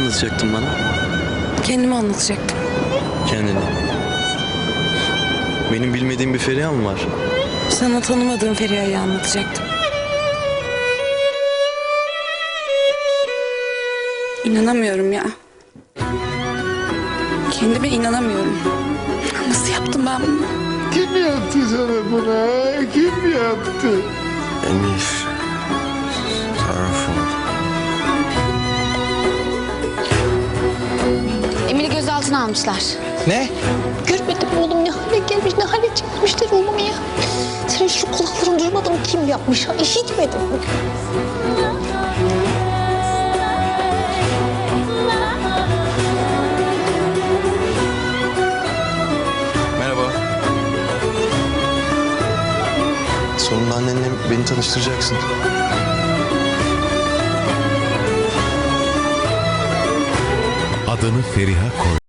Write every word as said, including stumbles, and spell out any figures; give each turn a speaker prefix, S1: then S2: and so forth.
S1: anlatacaktın bana?
S2: Kendimi anlatacaktım.
S1: Kendini. Benim bilmediğim bir Feriha mı var?
S2: Sana tanımadığım Feriha'yı anlatacaktım. İnanamıyorum ya. Kendime inanamıyorum. Nasıl yaptım ben bunu?
S3: Kim yaptı sana bunu? Kim yaptı?
S4: Elif. Sarhoş oldu.
S5: Emir'i gözaltına almışlar.
S3: Ne?
S6: Görmedim oğlum ne hale gelmiş, ne hale çekmişler oğlumu ya. Senin şu kulakların duymadın mı kim yapmış ha? İşitmedin mi?
S4: Merhaba. Sonunda annenle beni tanıştıracaksın.
S7: Adını Feriha koy.